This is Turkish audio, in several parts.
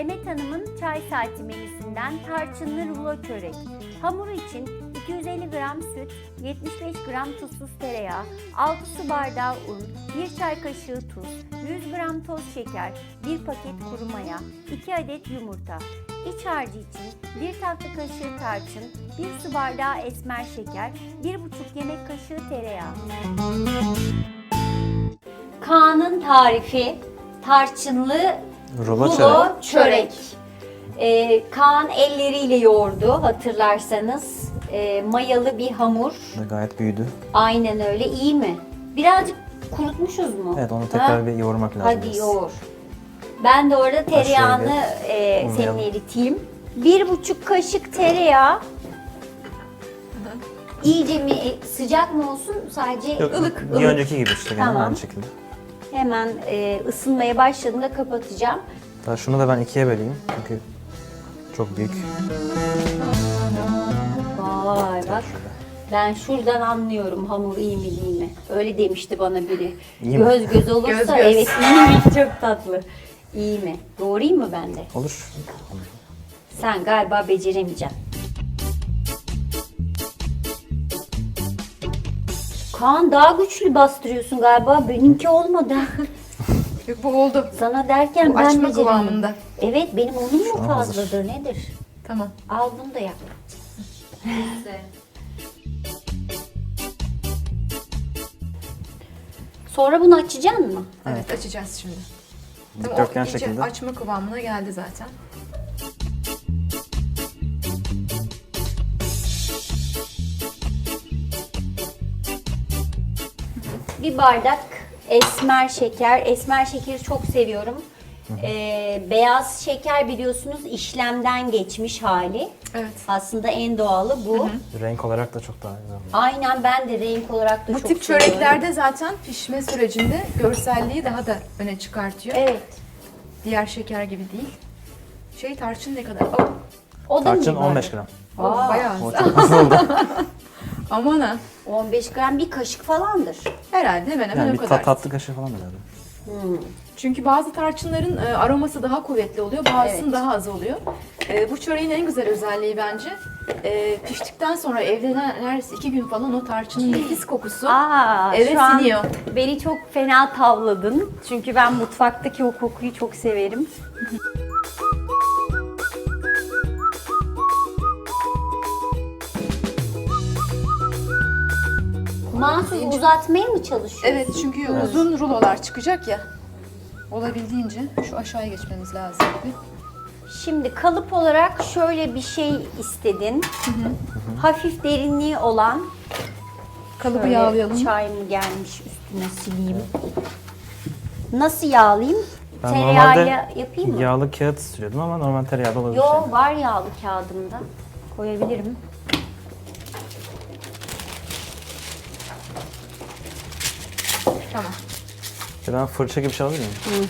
Demet Hanım'ın çay saati menüsünden tarçınlı rulo çörek. Hamuru için 250 gram süt, 75 gram tuzsuz tereyağı, 6 su bardağı un, 1 çay kaşığı tuz, 100 gram toz şeker, 1 paket kuru maya, 2 adet yumurta. İç harcı için 1 tatlı kaşığı tarçın, 1 su bardağı esmer şeker, 1,5 yemek kaşığı tereyağı. Kaan'ın tarifi tarçınlı rulo çörek. Kaan elleriyle yoğurdu hatırlarsanız. Mayalı bir hamur. Gayet büyüdü. Aynen öyle. İyi mi? Birazcık kurutmuşuz mu? Evet, onu tekrar bir yoğurmak lazım. Hadi yoğur. Ben de orada tereyağını senin eriteyim. 1,5 kaşık tereyağı. İyice mi sıcak mı olsun? Sadece ılık. Bir önceki gibi işte. Tamam. Aynı şekilde. Hemen ısınmaya başladığında kapatacağım. Daha şunu da ben ikiye böleyim çünkü çok büyük. Vay bak. Ben şuradan anlıyorum hamur iyi mi değil mi? Öyle demişti bana biri. İyi mi? Göz göz olursa Göz göz. evet iyi mi? Çok tatlı. İyi mi? Doğrayayım mı ben de? Olur. Sen galiba beceremeyeceksin. Kaan daha güçlü bastırıyorsun galiba. Benimki olmadı. Yok, bu oldu. Sana derken Bu ben açma beceremedim. kıvamında. Evet benim onun mu an fazladır nedir? Tamam. Al bunu da yap. Sonra bunu açacaksın mı? Evet, açacağız şimdi. Tamam, Dikdörtgen o iyice şekilde. açma kıvamına geldi zaten. Bir bardak esmer şeker. Esmer şekeri çok seviyorum. Beyaz şeker biliyorsunuz işlemden geçmiş hali. Evet. Aslında en doğalı bu. Renk olarak da çok daha güzel. Aynen ben de renk olarak da Bu çok tip seviyorum. çöreklerde zaten pişme sürecinde görselliği daha da öne çıkartıyor. Evet. Diğer şeker gibi değil. Tarçın ne kadar? Oh, O da Tarçın mı var? 15 gram. Aa, bayağı O az. çok az oldu. Aman ha. 15 gram bir kaşık falandır. Herhalde hemen hemen Yani o bir kadar. tatlı kaşığı falan herhalde. Çünkü bazı tarçınların aroması daha kuvvetli oluyor, bazısının Evet. daha az oluyor. Bu çöreğin en güzel özelliği bence piştikten sonra evde neredeyse 2 gün falan o tarçının nefis kokusu eve şu an siniyor. beni çok fena tavladın. Çünkü ben mutfaktaki o kokuyu çok severim. Mahsus uzatmaya mı çalışıyorsun? Evet, çünkü uzun rulolar çıkacak ya. Olabildiğince şu aşağıya geçmemiz lazım gibi. Şimdi kalıp olarak şöyle bir şey istedin. Hafif derinliği olan. Kalıbı Şöyle yağlayalım. çay mı gelmiş üstüne sileyim. Nasıl yağlayayım? Ben Tereyağıyla yapayım mı? yağlı kağıt sürüyordum ama normal tereyağı da olabilir. Yo var yağlı kağıdımda. Koyabilirim. Tamam. Ben fırça gibi bir şey alabilir miyim?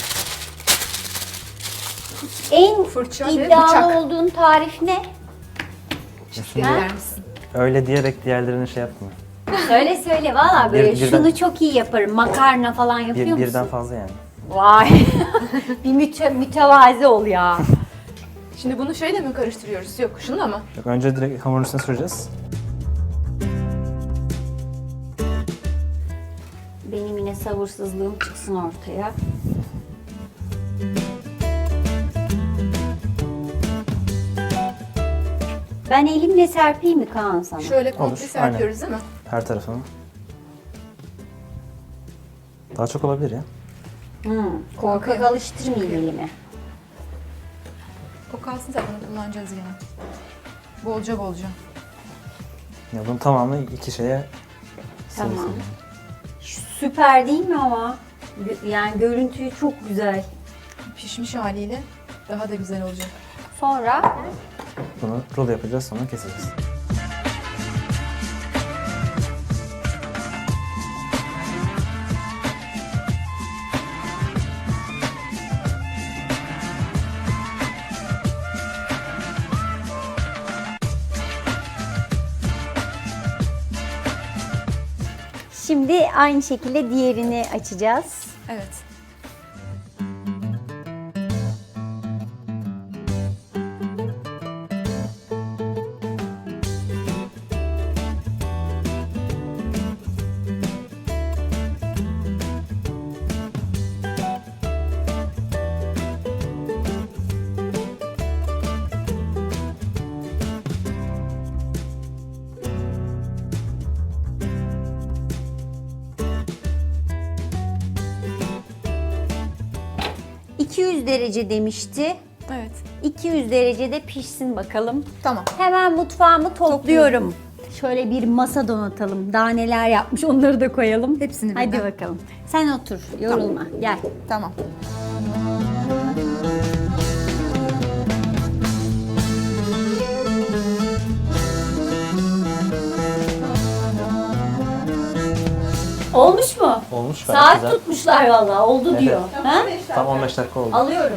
En Fırça ve iddialı bıçak. olduğun tarif ne? Verir misin? Öyle diyerek diğerlerini şey yapma. Söyle valla böyle birden- şunu çok iyi yaparım. Makarna falan yapıyor musun? Birden fazla yani. Vay. Bir mütevazi ol ya. Şimdi bunu şeyle mi karıştırıyoruz? Yok, şununla mı? Yok, önce direkt hamurun üstüne süreceğiz. Benim yine sabırsızlığım çıksın ortaya. Ben elimle serpeyim mi Kaan sana? Şöyle komple Olur, serpiyoruz değil mi? Her tarafını. Daha çok olabilir ya. Korkak alıştırmayayım elimi. O kalsın zaten, onu kullanacağız yine. Bolca bolca. Ya bunun tamamı iki şeye Tamam. sığsın. Süper değil mi ama? Yani görüntüyü çok güzel. Pişmiş haliyle daha da güzel olacak. Sonra Bunu rulo yapacağız, sonra keseceğiz. şimdi aynı şekilde diğerini açacağız. Evet. 200 derece demişti. Evet. 200 derecede pişsin bakalım. Tamam. Hemen mutfağımı topluyorum. Şöyle bir masa donatalım. Daha neler yapmış onları da koyalım. Hepsini Hadi birden. bakalım. Sen otur, yorulma. Gel. Tamam. Olmuş mu? Olmuş gayet Saat güzel. tutmuşlar vallahi. Oldu Evet. diyor. Ha? Tam 15 dakika oldu. Alıyorum.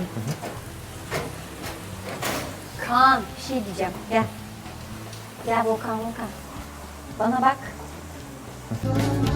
Kaan bir şey diyeceğim. Gel. Gel Volkan. Bana bak.